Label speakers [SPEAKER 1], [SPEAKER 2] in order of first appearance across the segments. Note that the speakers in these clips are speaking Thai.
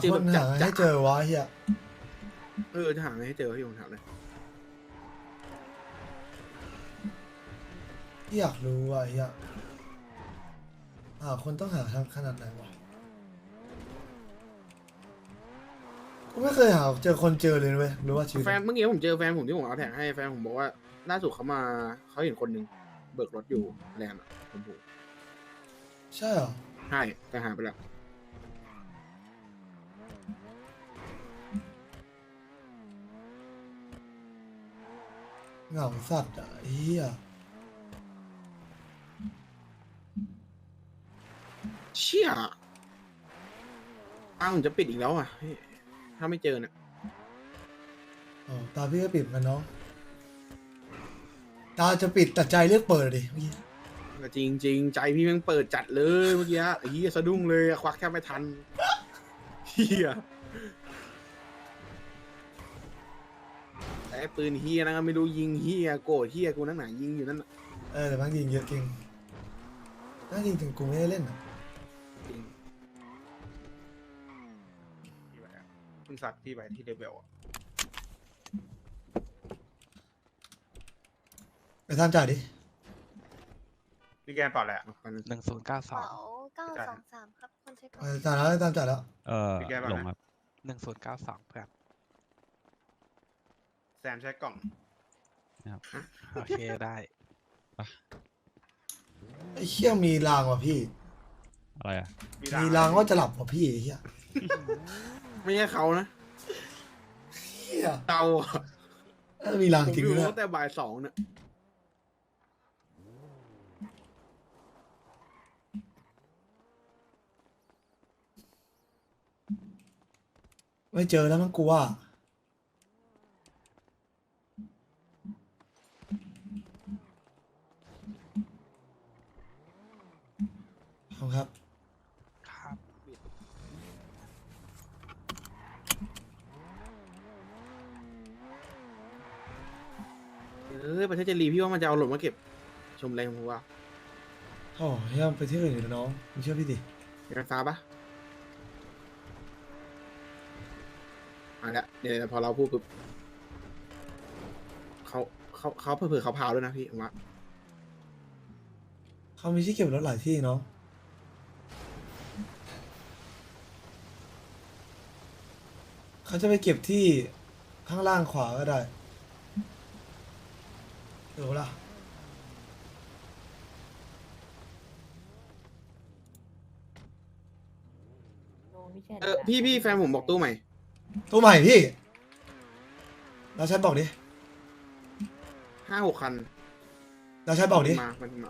[SPEAKER 1] เจอ
[SPEAKER 2] ค
[SPEAKER 1] แบ
[SPEAKER 2] น
[SPEAKER 1] บจั
[SPEAKER 2] หา
[SPEAKER 1] ด
[SPEAKER 2] ให้เจอวะเฮีย
[SPEAKER 1] จะหาไงให้เจอพี่ผมถามเลย
[SPEAKER 2] ที่อยากรู้ว่ะเฮียหาคนต้องหาทางขนาดไหนวะกูไม่เคยหาเจอคนเจอเลยเว้ยรู้ว่าชีวิต
[SPEAKER 1] แฟนเมื่อกี้ผมเจอแฟนผมที่ผมเอาแท็กให้แฟนผมบอกว่าล่าสุดเขาเห็นคนหนึ่งเบิกรถอยู่แลนด์อะผมผูก
[SPEAKER 2] ใช่เหรอ
[SPEAKER 1] ใช่แต่หายไปแล้ว
[SPEAKER 2] เหงาสัตว์อ่ะเฮีย
[SPEAKER 1] เชี่ยตาผมจะปิดอีกแล้วอ่ะพี่ถ้าไม่เจอเนี่ย
[SPEAKER 2] อ๋อตาพี่ก็ปิดเหมือนกันเนาะตาจะปิดแต่ใจเลือกเปิดดิเมื่อกี้
[SPEAKER 1] แต่จริงใจพี่แม่งเปิดจัดเลยเมื่อกี้ไอ้เหี้ยสะดุ้งเลยอะควักแทบไม่ทันเฮียแต่ไอ้ปืนเฮียนะไม่รู้ยิงเฮียโกรธเฮียกูนั่นไหนยิงอยู่นั่นน่ะ
[SPEAKER 2] แต่บางยิงเยอะจริงน่าจริงถึงกูไม่ได้เล่นอ่ะ
[SPEAKER 1] จริง
[SPEAKER 3] พี่ไปอะเพิ่งซัดพี่ไปที่เลเวลอะ
[SPEAKER 2] ไปทำจ่ายดิ
[SPEAKER 3] พี่แกนเปล่าแหละ
[SPEAKER 1] เอาไปเลย
[SPEAKER 4] 1092
[SPEAKER 5] เป๋า923ครับคนเช็คก่อน
[SPEAKER 2] ไปจ่ายแล้วตามจ่ายแล้ว
[SPEAKER 3] พี่แกนเปล่า
[SPEAKER 4] ลงค
[SPEAKER 3] นะ
[SPEAKER 4] รับ1092เพื่อน
[SPEAKER 3] แซมใช้กล่อง
[SPEAKER 4] นะครับโอเคได้
[SPEAKER 2] ไอ้เชี่ยมีรางว่ะพี่
[SPEAKER 4] อะไรอ่ะ
[SPEAKER 2] มีรางว่าจะหลับว่ะพี่ไอ้เฮีย
[SPEAKER 1] ไม่ใช่เขานะ
[SPEAKER 2] เฮีย
[SPEAKER 1] เตา
[SPEAKER 2] มีราง
[SPEAKER 1] ผม
[SPEAKER 2] จริง
[SPEAKER 1] อยู่
[SPEAKER 2] ด้วย
[SPEAKER 1] ตั้งแต่บ่ายสองเนี่ย
[SPEAKER 2] ไม่เจอแล้วมั้งกูว่าขอบคุณครับ
[SPEAKER 4] ครับ
[SPEAKER 1] ประเทศเจรีพี่ว่ามันจะเอาหล่นมาเก็บชมแรงผมว่า
[SPEAKER 2] โอ้เฮียไปที่อื่นอีกแล้วน้องมึงเชื่อพี่ดิ
[SPEAKER 1] เห็นไฟฟ้าปะอ่ะละเดี๋ยวพอเราพูดปุ๊บเขาเผื่อเขาพาวด้วยนะพี่ผมว่า
[SPEAKER 2] เขามีที่เก็บรถหลายที่เนาะเขาจะไปเก็บที่ข้างล่างขวาก็ได้เดี๋ยวล่ะ
[SPEAKER 1] พี่แฟนผมบอกตู้ใหม่
[SPEAKER 2] ตัวใหม่พี่เราใช้บอกดิ
[SPEAKER 1] 5-6 คัน
[SPEAKER 2] เราใช้บอกดิ
[SPEAKER 1] มันมา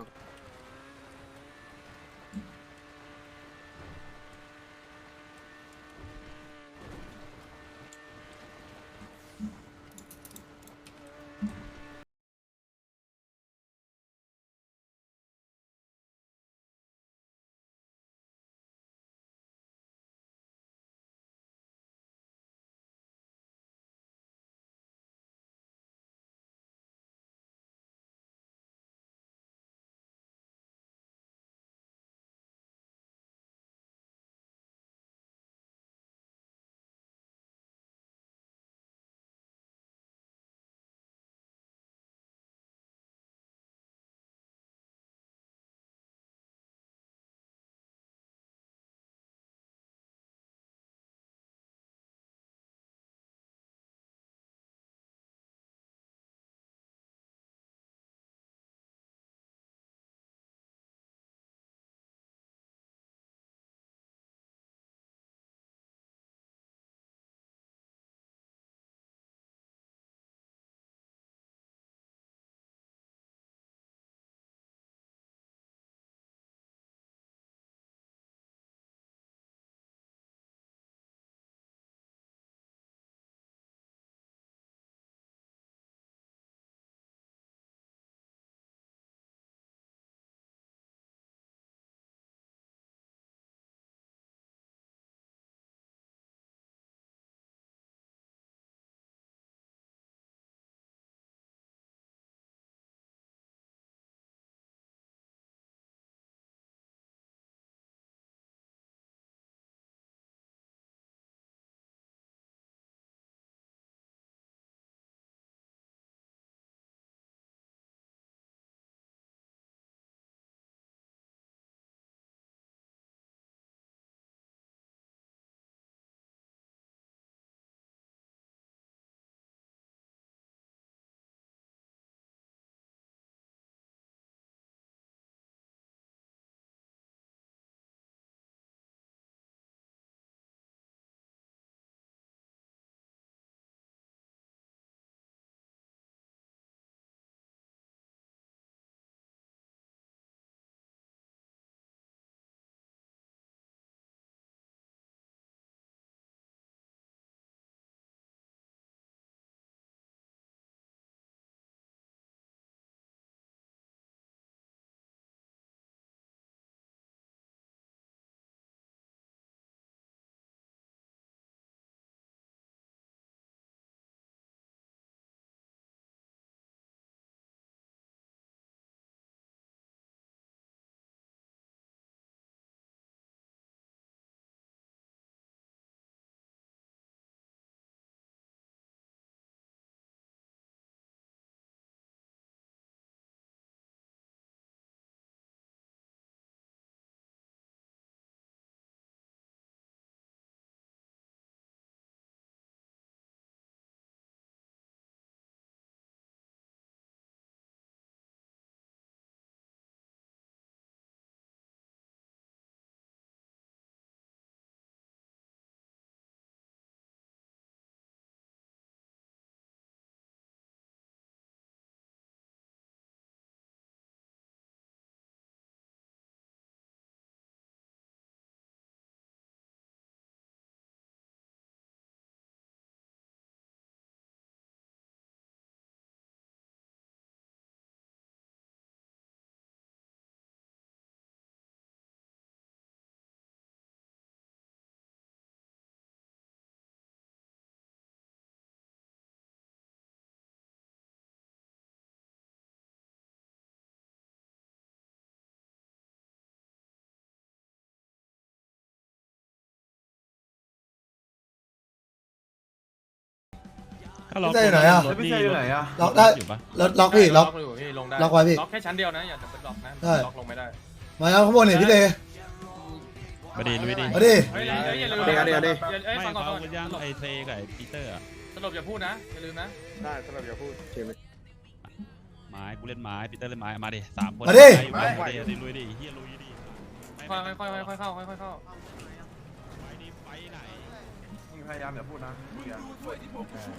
[SPEAKER 4] ก็ล็อก
[SPEAKER 2] พี่เต้อยู่ไหนอะ
[SPEAKER 4] รถ
[SPEAKER 6] พี่เต้อยู่ไหนอะ
[SPEAKER 2] ล็อกได้
[SPEAKER 4] อยู่ปะ
[SPEAKER 2] ล็อกพี่ล็อก
[SPEAKER 7] อยู่พี่ลงได้
[SPEAKER 2] ล็อกไว้พี่
[SPEAKER 7] ล็อกแค่ชั้นเดียวนะอย่าจะเป็นล็อกนะ
[SPEAKER 2] ใช่
[SPEAKER 7] ล็อกลงไม่ได้
[SPEAKER 2] มาแล้วข้างบนเนี่ยพี่เต้
[SPEAKER 4] มาดีลุยดิ
[SPEAKER 2] มาดิ
[SPEAKER 7] เฮ้ยอย่าลืม
[SPEAKER 1] เดี๋ยว
[SPEAKER 7] เอ้ย
[SPEAKER 4] ไม่
[SPEAKER 7] ฟังก่อน
[SPEAKER 4] ฟัง
[SPEAKER 7] ก่อน
[SPEAKER 4] กันยังไอเซกับไอปีเตอร์อะ
[SPEAKER 7] สรุปอย่าพูดนะอย่าลืมนะ
[SPEAKER 3] ได้สำหรับอย่าพูด
[SPEAKER 4] ไม้กูเล่นไม้ปีเตอร์เล่นไม้มาดิ3 คน
[SPEAKER 2] มาดิ
[SPEAKER 4] มาดิลุยดิเฮียลุยดิ
[SPEAKER 7] ค่อยเข้าค่อยเข้า
[SPEAKER 4] ไปดิไปไหน
[SPEAKER 6] มึงพยายามอย่าพูดนะมึงอย่า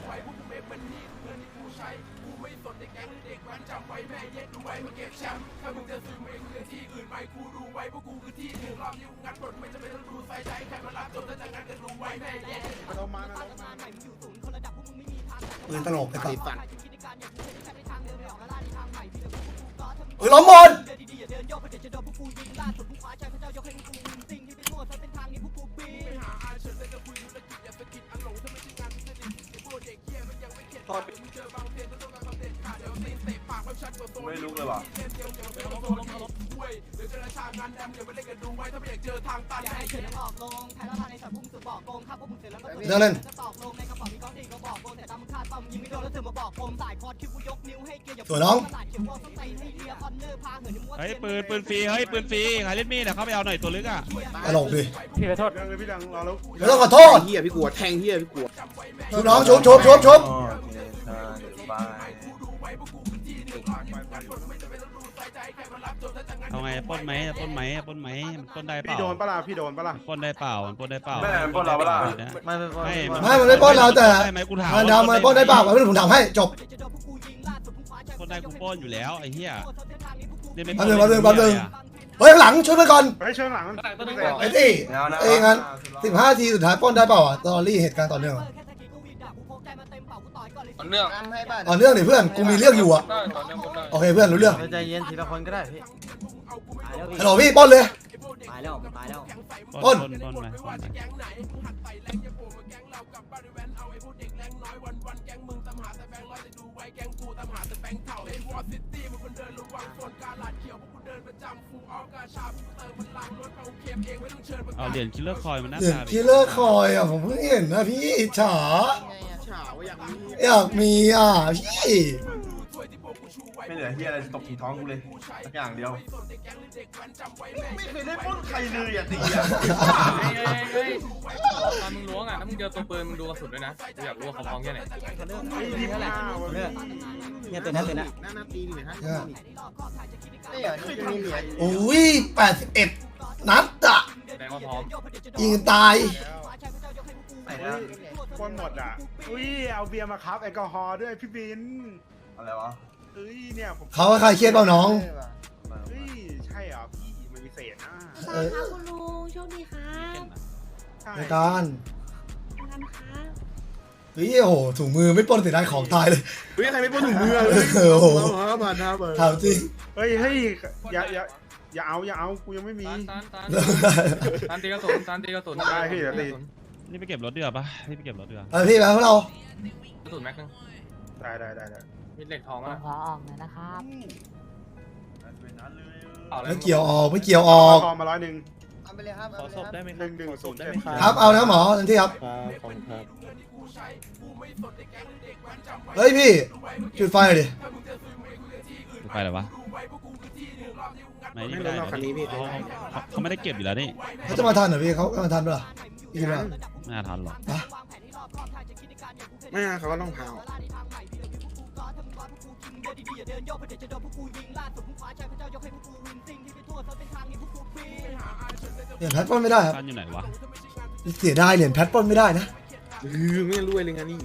[SPEAKER 2] ปืนตลกไอ้สั
[SPEAKER 1] ไอ้
[SPEAKER 2] ส
[SPEAKER 1] สัตว์
[SPEAKER 2] เฮ้ยล้อมหมด
[SPEAKER 6] ไม่รู้เลยว่ะ
[SPEAKER 2] เดี๋ยวเล่น สวยน้อง
[SPEAKER 4] เฮ้ยปืนฟรีเฮ้ยปืนฟรีใครเล่นมีดอะเข้าไปเอาหน่อยตัวลึกอะ
[SPEAKER 2] ตลกดิ
[SPEAKER 3] พี่ขอโทษเรื่องเลยพี่ดังรอแล้ว
[SPEAKER 2] ไม่ต้องขอโทษ
[SPEAKER 1] เฮียพี่กลัวแทงเฮียพี่กลัว
[SPEAKER 2] ชุบน้องชุบ
[SPEAKER 4] เอาไงปล้นไหมมันปล้นได้เป
[SPEAKER 3] พี่
[SPEAKER 4] ล่า
[SPEAKER 3] โดนปะล่ะพี่โดนปะล่ะ
[SPEAKER 4] ปล้นได้เปล่ามันปล้นได้เปล่า
[SPEAKER 6] ไม่ได้ปล้นเราปะล่ะ
[SPEAKER 4] ไม่
[SPEAKER 2] มันไม่ปล้นเราแต่
[SPEAKER 4] ได้ไหมกูถาม
[SPEAKER 2] มันดำมันปล้นได้เปล่าไม่ผมถามให้จบ
[SPEAKER 4] ปล้นได้กูปล้นอยู่แล้วไอ้เหี้ยเล่นไม่
[SPEAKER 2] แป๊บนึง เฮ้ยข้างหลังช่วยไปก่อน
[SPEAKER 3] เฮ้ยเชิงหลัง
[SPEAKER 2] ไอ้ที่เอ้ยงั้น15 ทีสุดท้ายปล้นได้เปล่าอ่ะตอรี่เหตุการณ์ต่อเนื่อง
[SPEAKER 7] ต่อเนื่อง
[SPEAKER 2] ต่อเนื่องดิเพื่อนกูมีเรื่องอยู่อ่ะ
[SPEAKER 7] ได้ต่อเนื่องหมดได้
[SPEAKER 2] โอเคเพื่อนรู้เรื่อง
[SPEAKER 8] ใจเย็นทีละคนก็ได้พี่
[SPEAKER 2] ฮัลโหลพี่ปล้นเลย
[SPEAKER 8] ตายแล้วตายแล้ว
[SPEAKER 4] ปล้นไหม เอาเหรียญคิลเลอร์คอยมันหน้า
[SPEAKER 2] เดี๋ยว
[SPEAKER 4] ตา
[SPEAKER 2] คิลเลอร์คอยอ่ะผมเพิ่งเห็นนะพี่อิจฉา
[SPEAKER 1] เฉาอย่างนี้
[SPEAKER 2] อยากมีอ่ะพี่
[SPEAKER 6] ไม่เหลือเฮียอะไรตกที่ท้องกูเลยสักอย่างเดียวไม่เคยได้ปล้นใครเลยอ่ะตีอ่ะ
[SPEAKER 7] เฮ้ยตอนมึงล้วงอ่ะถ้ามึงเจอตัวปืนมึงดูกระสุนด้วยนะกูอยากรู้ว่าเขาพร้อมแค่ไหน
[SPEAKER 8] เนี่ยตัวนั้น
[SPEAKER 1] หน้าตีนี่นะฮะ
[SPEAKER 2] อุ้ย81 นัดอ่ะ
[SPEAKER 7] แสดงว่าพร้อม
[SPEAKER 2] ยิงตาย
[SPEAKER 3] คนหมดอ่ะอุ้ยเอาเบียร์มาครับแอลกอฮอล์ด้วยพี่บิน
[SPEAKER 6] อะไรวะ
[SPEAKER 3] เอ้ยเนี่ยผม
[SPEAKER 2] เขาว่าใครเครียดเปล่าน้อง
[SPEAKER 3] เฮ้ยใช่เหรอพี่มันมีเศษนะ
[SPEAKER 5] สวัสดีค่ะคุณลุงโชคดีค่ะ
[SPEAKER 3] ใช่
[SPEAKER 2] ในการ
[SPEAKER 5] ทำค่ะ
[SPEAKER 2] เฮ้ยโอ้โหถุงมือไม่ปล้นเสียดายของตายเลย
[SPEAKER 1] เฮ้ยใครไม่ป้นถุงมือเลย
[SPEAKER 2] โอ้โห
[SPEAKER 1] ผ่านนะเปิด
[SPEAKER 2] ถามจริง
[SPEAKER 3] เฮ้ยอย่าเอากูยังไม่มี
[SPEAKER 7] ตานตีกระสุนตานตีกระสุน
[SPEAKER 3] ได้พี่เดี๋ยวตี
[SPEAKER 4] นี่ไปเก็บรถเดือปะนี่ไปเก็บรถเดือ
[SPEAKER 2] เออพี่มาพวกเรา
[SPEAKER 7] กระสุนแม็กนึง
[SPEAKER 3] ได้
[SPEAKER 7] มีเหล็กทอง
[SPEAKER 9] ผม
[SPEAKER 7] อ่ะ
[SPEAKER 9] ขอออกหน่อยนะครับ
[SPEAKER 2] ไม่เกี่ยวออกไม่เกี่ยวออก
[SPEAKER 3] ทองมา100
[SPEAKER 7] ขอศพได้ไหม
[SPEAKER 3] 110ได้ไหม
[SPEAKER 2] ครับเอานะหมอทันทีครับเฮ้ยพี่จุดไฟหน่อยดิ
[SPEAKER 4] ไปเลยวะไม่นี่
[SPEAKER 1] ไม่
[SPEAKER 4] ไม่
[SPEAKER 1] โด
[SPEAKER 4] ได้
[SPEAKER 1] นรอบคันนี้พี่
[SPEAKER 4] เขาไม่ได้เก็บอยู่แล้วนี่
[SPEAKER 2] เขาจะมาทันเหรอพี่เขามาทันปะล่ะพี่คิดว่า
[SPEAKER 4] ไม่น่าทันหรอก
[SPEAKER 1] ไม่เขาก็ต้องพาว
[SPEAKER 2] เหรียญแพทปล้นไม่ได้ครับ
[SPEAKER 4] ทันอยู่ไหนวะ
[SPEAKER 2] เสียดายเหรียญแพทปล้นไม่ได้นะ
[SPEAKER 1] ไม่รวยเลยงานนี้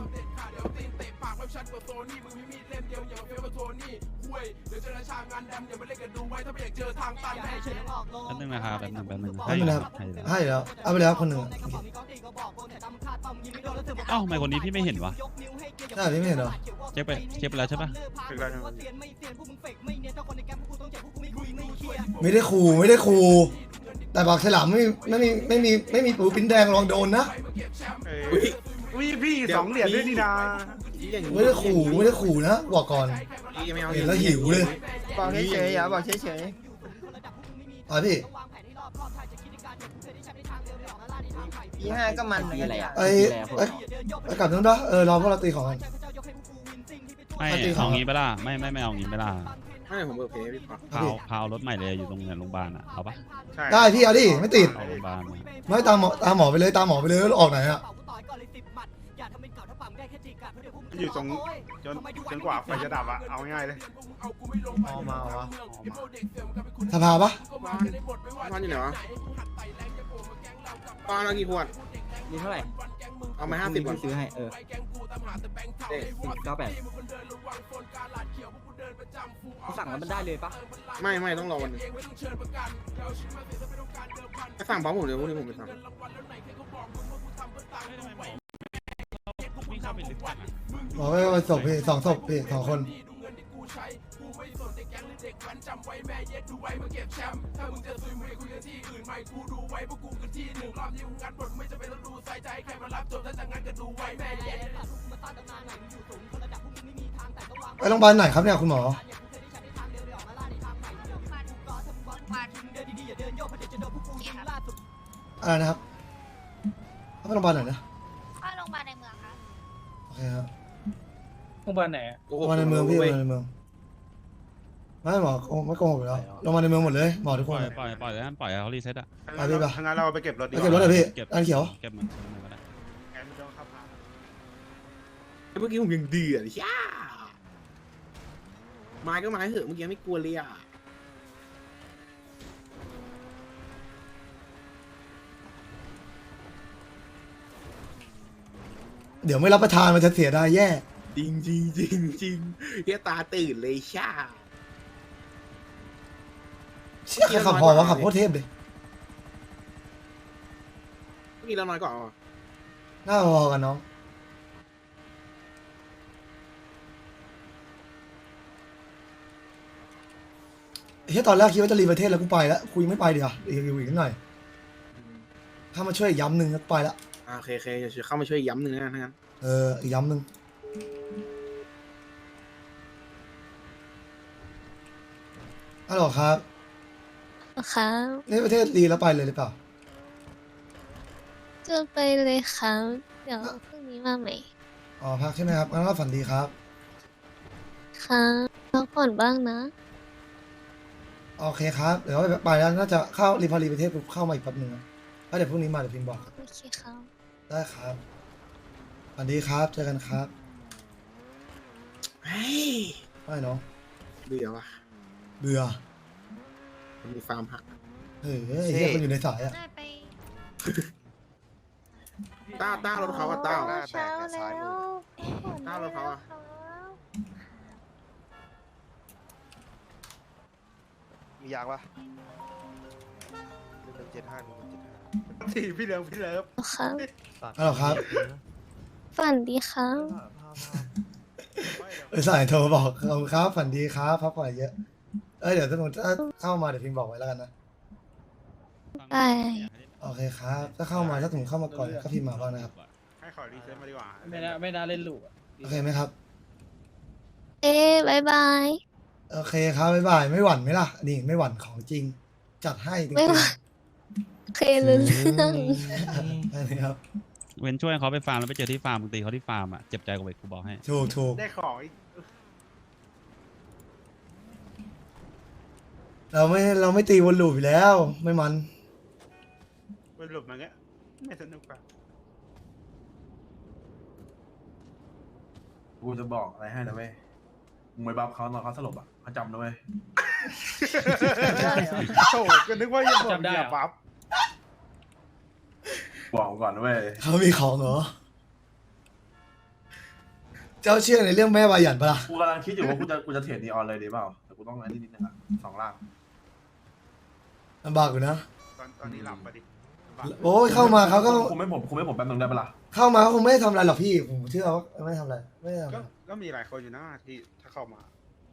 [SPEAKER 4] แป๊บนึงนะครับแป๊บนึง
[SPEAKER 2] แป๊บนึงนะครับให้แล้วเอาไปแล้วคนหนึ่ง
[SPEAKER 4] เอ้าทำไมคนนี้พี่ไม่เห็นวะ
[SPEAKER 2] ใช่พี่ไม่เห็นเหรอ
[SPEAKER 4] เช็คไปแล้วใช่ปะ
[SPEAKER 3] ถึงแล้ว
[SPEAKER 2] ไม่ได้ขู่แต่ปากฉลามไม่มีปูปิ้นแดงลองโดนนะ
[SPEAKER 3] อุ้ยพี่2 เหรียญด้วยนี่นา
[SPEAKER 2] ไม่ได้ขู่นะบอกก่อนเห็นแล้วหิวเลย
[SPEAKER 8] บอกเฉยๆอย่าบอกเฉย
[SPEAKER 2] อ่ะพี่
[SPEAKER 8] ๆปี5ก็มันเหมือนกันเลย
[SPEAKER 2] ไปกลับนู้นปะรอพวกเราตีของกัน
[SPEAKER 8] เ
[SPEAKER 4] ไม่
[SPEAKER 2] ปกติ
[SPEAKER 4] เอางี้ไปล่ะไม่เอางี้ไปล่ะ
[SPEAKER 1] ไม่ผมเบอร์เพย์พี่ปะ
[SPEAKER 4] พาวรถใหม่เลยอยู่ตรงโรงพยาบาลอ่ะเอาปะ
[SPEAKER 3] ใช่
[SPEAKER 2] ได้พี่เอาดิไม่ติด
[SPEAKER 4] เอาโรงพยาบาล
[SPEAKER 2] ไม่ตามหมอไปเลยตามหมอไปเลยแล้วออกไหนอะ
[SPEAKER 3] อยู่ตรงจนกว่าไฟจะดับอะเอาง่ายเลย
[SPEAKER 8] เอามาวะ
[SPEAKER 2] สภาปะ
[SPEAKER 1] บ้านอยู่ไหนวะบ้านเรากี่ขวด
[SPEAKER 8] มีเท่าไหร่
[SPEAKER 1] เอามา50ก่อน
[SPEAKER 8] ซื้อให้
[SPEAKER 1] เอ๊ะ
[SPEAKER 8] 98เขาสั่งแล้วมันได้เลยปะ
[SPEAKER 1] ไม่ต้องรอวันนึงจะสั่งพร้อมผมเลยพวกนี้ผมไปสั่ง
[SPEAKER 4] วิ่งเข้าไปลึกจังอะ
[SPEAKER 2] หมอไปศพพี่2 ศพพี่2 คนไปโรงพยาบาลไหนครับเนี่ยคุณหมออะไรนะครับไปโรงพยาบาลไหนนะ
[SPEAKER 5] เข้าโรงพยาบาลในเมืองค่ะ
[SPEAKER 2] โอเคครับ
[SPEAKER 7] โรงพยาบาลไหน
[SPEAKER 1] โอ้โห
[SPEAKER 2] โรงพยาบาลในเมืองพี่โรงพยาบาลในเมืองไม่หมอไม่โกหกอยู่แล้วโรงพยาบาลในเมืองหมดเลยหมอทุก
[SPEAKER 4] ป
[SPEAKER 2] ค
[SPEAKER 4] ล่
[SPEAKER 2] น
[SPEAKER 4] อยให้เขารีเซ็ตอ่ะ
[SPEAKER 2] ไปพี่ปะ
[SPEAKER 3] ทางนั้นเราไปเก็บรถดี
[SPEAKER 2] ไปเก็บรถเลยพี่
[SPEAKER 4] เก็บ
[SPEAKER 2] อันเขียว
[SPEAKER 4] เก็บมันก็ได้
[SPEAKER 3] แกไม่ต้องขับผ่าน
[SPEAKER 1] เมื่อกี้ผมยังเดือดย่าไม้ก็ไม้เหอะเมื่อกี้ไม่กลัวเลยอ่ะ
[SPEAKER 2] เดี๋ยวไม่รับประทานมันจะเสียดายแย่
[SPEAKER 1] จริงเฮียตาตื่นเลยช่า
[SPEAKER 2] เชี่ยใครขับพอวะขับโคตรเทพเลย
[SPEAKER 1] เมื่อกี้เราน้อยกว่าอ่ะ
[SPEAKER 2] หน้าพอกันน้องเฮ้ยตอนแรกคิดว่าจะรีประเทศแล้วกูไปแล้วคุยไม่ไปเดี๋ยวอีกนิดหน่อยถ้ามาช่วยย้ำหนึ่งก็ไปละ
[SPEAKER 1] โอเคเดี๋ยวเข้ามาช่วยย้ำหนึ่งนะทั้งนั้น
[SPEAKER 2] อีกย้ำหนึ่งฮัลโหลครับ
[SPEAKER 5] ครับ
[SPEAKER 2] นี่ประเทศดีแล้วไปเลยหรือเปล่า
[SPEAKER 5] จะไปเลยครับ เดี๋ยวพรุ่งนี้มาใหม่
[SPEAKER 2] อ๋อพักใช่ไหมครับงั้นก็ฝันดีครับ
[SPEAKER 5] ครับพักผ่อนบ้างนะ
[SPEAKER 2] โอเคครับเดี๋ยวไปแล้วน่าจะเข้าพอรีประเทศปุ๊บเข้ามาอีกแป๊บหนึงนะแล้วเดี๋ยวพรุ่งนี้มาเดี๋ยวพิมพ์บอก
[SPEAKER 5] โอเคครับ
[SPEAKER 2] ได้ครับฝันดีครับเจอกันครับ
[SPEAKER 1] เฮ้ย
[SPEAKER 2] ไม่เนาะ
[SPEAKER 1] เบื่อว่ะ
[SPEAKER 2] เบื่อ
[SPEAKER 1] มีฟาร์มผัก
[SPEAKER 2] เฮ้ยไอ้เหี้ยคนอยู่ในสายอะ
[SPEAKER 5] ได้ไป
[SPEAKER 1] ต้ารถเขาอ่ะต้า
[SPEAKER 5] เช้าแล้ว
[SPEAKER 1] ต้ารถเขาอ่ะ
[SPEAKER 9] มียางปะ175
[SPEAKER 3] สี่พี่เลิฟ
[SPEAKER 5] ครับ
[SPEAKER 2] ฮัลโหลครับ
[SPEAKER 5] ฝันดีครับ
[SPEAKER 2] สายโทรบอกขอบคุณครับฝันดีครับพักผ่อนเยอะเดี๋ยวถ้าเข้ามาเดี๋ยวพิมพ์บอกไว้แล้วกันนะ
[SPEAKER 5] ได้
[SPEAKER 2] โอเคครับถ้าเข้ามาถ้าถึงเข้ามาก่อนก็พิมพ์มาบ้างนะครับ
[SPEAKER 3] ให้ขอรีเซ็ตมาดีกว่า
[SPEAKER 7] ไม่น่าเล่นลูก
[SPEAKER 2] โอเคไหมครับ
[SPEAKER 5] บายบาย
[SPEAKER 2] โอเคครับบ๊ายบายไม่หวั่นไหมล่ะนี่ไม่หวั่นของจริง จัดให้จริง
[SPEAKER 5] ไม่หวั่น โอเครู้เรื่อง
[SPEAKER 2] ๆได้เลยครับ
[SPEAKER 4] เว้นช่วยเขาไปฟาร์มแล้วไปเจอที่ฟาร์มมึงตีเขาที่ฟาร์มอ่ะเจ็บใจกว่าไปกูบอกให้
[SPEAKER 2] ถูก
[SPEAKER 3] ได้ของอีก
[SPEAKER 2] เราไม่ตีวนลูปอยู่แล้ว ไม่มัน
[SPEAKER 3] ไปหลบมาเงี้ยไม่สนุกป่ะ
[SPEAKER 6] กูจะบอกอะไรให้นะเว้ยมึงไปบัฟเขาตอนเขาสลบอ่ะเขาจำนะเว้ย
[SPEAKER 3] โถก็นึกว่าจะบอกอย่าปั๊บ
[SPEAKER 6] บอกก่อนนะเว้ย
[SPEAKER 2] เขามีของเหรอ เจ้าเชื่อในเรื่องแม่วายันปะล่ะ
[SPEAKER 6] กูกำลังคิดอยู่ว่ากูจะเทรดนีออนเลยดีเปล่าแต่กูต้องอันนี้นิดนึงอ่ะ2 ล่าง
[SPEAKER 2] ลำบากอยู่นะ
[SPEAKER 3] ตอนนี้หลับปะดิ
[SPEAKER 2] โอ้ยเข้ามาเขาก็
[SPEAKER 6] คุมให้ผมแป๊บนึงได้ปะล่ะ
[SPEAKER 2] เข้ามาเขาคงไม่ได้ทำอะไรหรอกพี่ผมเชื่อว่าไม่ได้ทำอะไรไม่ได้ทำอะไร
[SPEAKER 3] ก็มีหลายคนอยู่นะที่ถ้าเข้ามา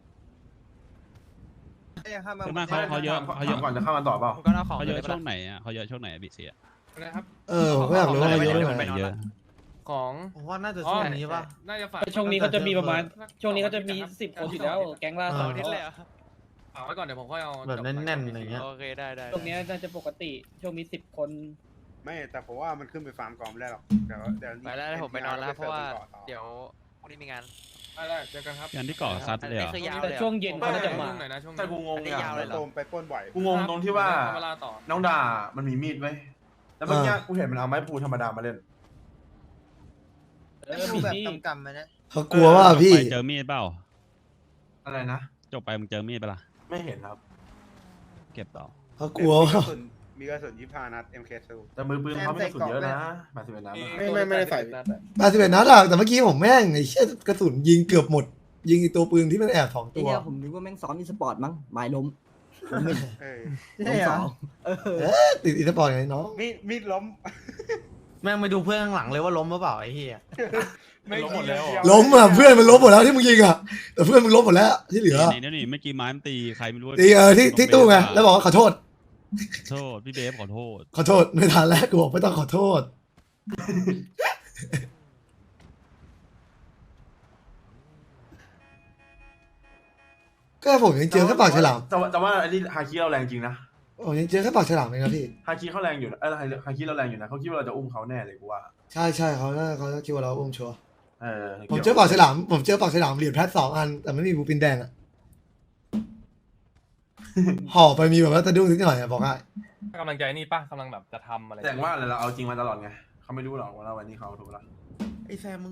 [SPEAKER 4] ส่วนมากเขาเยอะ
[SPEAKER 6] ก่อนจะเข้ามาต่อเปล่า
[SPEAKER 8] ผมก็เอาของ
[SPEAKER 4] เขาเยอะช่วงไหนอ่ะเขาเยอะช่วงไหนบิเซีย
[SPEAKER 7] นะครับ
[SPEAKER 2] ผมก็อยากรู้ว่าเยอะ
[SPEAKER 4] เย
[SPEAKER 2] เท่า
[SPEAKER 4] อะ
[SPEAKER 2] ไห
[SPEAKER 4] ไป
[SPEAKER 2] ร่
[SPEAKER 4] เยอะ
[SPEAKER 7] ของ
[SPEAKER 8] ผมว่าน่าจะช่วงนี้ป่ะ
[SPEAKER 7] น่าจะฝาก
[SPEAKER 10] ช่วงนี้เขาจะมีประมาณ ช่วงนี้เขาจะมี10 คนอยู่แล้ว แก๊งล่าสุด
[SPEAKER 7] ฝากไว้ก่อนเดี๋ยวผมค่อยเอา
[SPEAKER 8] แบบแน่นๆอะไรเงี้ย
[SPEAKER 10] โอเคได้ตรงนี้น่าจะปกติ ช่วงมี10 คน
[SPEAKER 3] ไม่แต่ผมว่ามันขึ้นไปฟาร์มกองไม่ได้หรอกเดี๋ยว
[SPEAKER 10] ไปแล้วผมไปนอนแล้วเพราะว่าเดี๋ยว
[SPEAKER 8] วันนี้มีงาน
[SPEAKER 7] ได้เจอกันครับ
[SPEAKER 4] งานที่เกาะซัดเลยเหรอ
[SPEAKER 10] แต่ช่วงเย็นเขาน่าจะมา
[SPEAKER 7] หน่อยนะช่วง
[SPEAKER 6] แต่กูงง
[SPEAKER 8] อันนี้
[SPEAKER 6] อ่ะ
[SPEAKER 8] ยาวเลยเหรอ
[SPEAKER 3] โดมไปปล้นบ่อย
[SPEAKER 6] กูงงตรงที่ว่า
[SPEAKER 7] เวลาต่อ
[SPEAKER 6] น้องด่ามันมีมีดไว้แล้วเมื่อกี้กูเห็นมันเอาไม้พูธรรมดามาเล่น
[SPEAKER 10] มีที่
[SPEAKER 8] กำไหมนะ
[SPEAKER 2] เขากลัวว่าพี่
[SPEAKER 4] ไปเจอมีดเปล่า
[SPEAKER 6] อะไรนะ
[SPEAKER 4] จบไปมึงเจอมีดเปะล่า
[SPEAKER 6] ไม่เห็นครับ
[SPEAKER 4] เก็บต่อ
[SPEAKER 2] เขากลัวว่า
[SPEAKER 3] มีกระสุน25 นัด MK2
[SPEAKER 6] แต่มือปืนเขาไม่กระสุนเยอะนะ81นัด
[SPEAKER 1] ไม่ได้ใส่
[SPEAKER 2] 81นัดอะแต่เมื่อกี้ผมแม่งไอ้เชี่ยกระสุนยิงเกือบหมด ยิงไอ้ตัวปืนที่มันแอบ2
[SPEAKER 8] ไอ้
[SPEAKER 2] ตัว
[SPEAKER 8] เนี่ยผมนึกว่าแม่งซ้อมอีสปอร์ตมั้งหมายล้มผมไม่
[SPEAKER 3] เออ
[SPEAKER 8] ล้มสอง
[SPEAKER 2] ติดอีสปอร์ตไงน้อง
[SPEAKER 3] มีดล้ม
[SPEAKER 8] แม่งไปดูเพื่อนข้างหลังเลยว่าล้มหรือเปล่าไอ้เหี้ย
[SPEAKER 3] ไม่หมดแล้ว
[SPEAKER 2] ล้มอ่ะเพื่อนมันล้มหมดแล้วที่มึงยิงอ่ะแต่เพื่อนมึงล้มหมดแล้วที่เหลือ
[SPEAKER 4] นี่เมื่อกี้ไม้มันตีใครไม่รู้
[SPEAKER 2] ตีที่ตู้ไงแล้วบอกว่าขอโทษ
[SPEAKER 4] โทษพี่เบฟขอโทษ
[SPEAKER 2] ขอโทษไม่ทันแล้วกูบอกไม่ต้องขอโทษ ก็ผมยังเจอแค่ปากฉลาม
[SPEAKER 6] แต่ว่าอันนี้ฮาคิเราแรงจริงนะ
[SPEAKER 2] ผมยังเจอแค่ปากฉลามเองนะพี่
[SPEAKER 6] ฮาคิเขาแรงอยู่นะฮาคิเราแรงอยู่นะเขาคิดว่าเราจะอุ้มเขาแน่เลยกูว่า
[SPEAKER 2] ใช่เขาคิดว่าเราอุ้มชัวร์
[SPEAKER 6] เออ
[SPEAKER 2] ผมเจอปากฉลามเหรียญแพท2 อันแต่ไม่มีบูปินแดงอ่ะ ห่อไปมีแบบว่าตะดุ้งนิดหน่อยอะบอกให้
[SPEAKER 7] กำลังใจนี่ป่ะกำลังแบบจะทำอะไร
[SPEAKER 6] แต่ว่าเราเอาจริงมาตลอดไงเขาไม่รู้หรอกว่าวันนี้เขาถูกแล้ว
[SPEAKER 8] ไอ้แซมมึง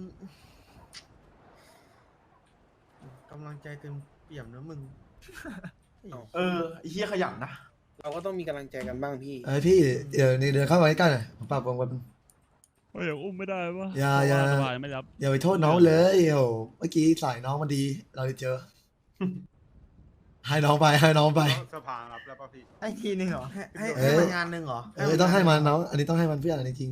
[SPEAKER 8] กำลังใจเต็มเปี่ยมนะมึง
[SPEAKER 6] เออไอ้เหี้ยขยันนะ
[SPEAKER 1] เราก็ต้องมีกำลังใจกันบ้างพี่
[SPEAKER 2] พี่เดี๋ยวนี่เดินเข้ามาใกล้ๆหน่อยผมปรับวงกัน
[SPEAKER 4] เฮ้ยอุ้มไม่ได้ปะ
[SPEAKER 2] อย่า
[SPEAKER 4] สบายไม่รับ
[SPEAKER 2] อย่าไปโทษน้องเลยโอ้เมื่อกี้สายน้องมันดี เราได้เจอ ให้น้องไป
[SPEAKER 3] สภารับแล้วป่ะพี่
[SPEAKER 8] ให้ทีนึงเหรอให้
[SPEAKER 2] เออ
[SPEAKER 8] มันงานหนึ่งเหรอ
[SPEAKER 2] ต้องให้มันน้อง อันนี้ต้องให้มันเพื่อนอันนี้จริง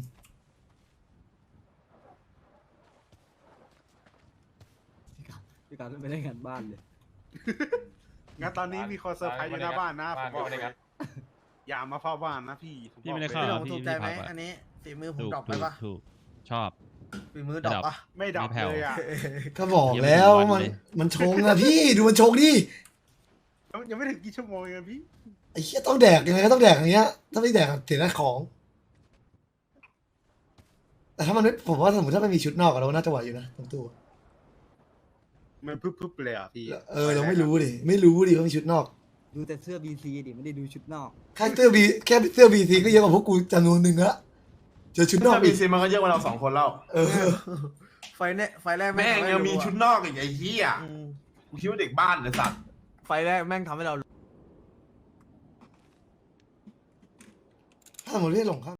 [SPEAKER 8] พี่การไม่ได้งานบ้านเลย
[SPEAKER 3] งั้นตอนนี้มีคนเซอร์ไพรส์อยู่หน้าบ้านนะผมบอกเลยอย่ามาเฝ้าบ้านนะพี่
[SPEAKER 4] พี่ไม่ได้เข้า
[SPEAKER 8] ผมถูกใจไหมอันนี้ฝีมือผมดรอปไปปะ
[SPEAKER 4] ถูกชอบ
[SPEAKER 8] ฝีมือดรอปปะ
[SPEAKER 3] ไม่ดับเลยอ่ะ
[SPEAKER 2] ก็บอกแล้วมันชงอะพี่ดูมันชงดิ
[SPEAKER 3] ยังไม่ถึงกี่ชั่วโมงเองพี่
[SPEAKER 2] ไอ้เหี้ยต้องแดกยังไงก็ต้องแดกอย่างเงี้ย ถ้าไม่แดกเสียหน้าของ แต่ถ้ามันไม่ผมว่าสมมติถ้ามันมีชุดนอกอะเราน่าจะไหวอยู่นะตรงตู้
[SPEAKER 3] มันพึบๆเลยอ่ะพี่
[SPEAKER 2] เราไม่รู้ดิว่ามีชุดนอก
[SPEAKER 8] ดูแต่เสื้อ BC ดิไม่ได้ดูชุดนอก
[SPEAKER 2] แค่เสื้อบีซีก็เยอะกว่าพวกกูจำนวนหนึ่งละเจอชุดนอก
[SPEAKER 6] ถ้า
[SPEAKER 2] อี
[SPEAKER 6] มี
[SPEAKER 2] ก
[SPEAKER 6] ซีมันก็เยอะกว่าเรา2 คนแล้ว
[SPEAKER 8] ไฟแรก
[SPEAKER 6] แม่งยังมีชุดนอกอีกไอ้เหี้ยกูคิดว่าเด็กบ้านเลยสัตว์
[SPEAKER 8] ไฟแรกแม่งทำให้เรา
[SPEAKER 2] ถ้าสมมติพี่หลงครับ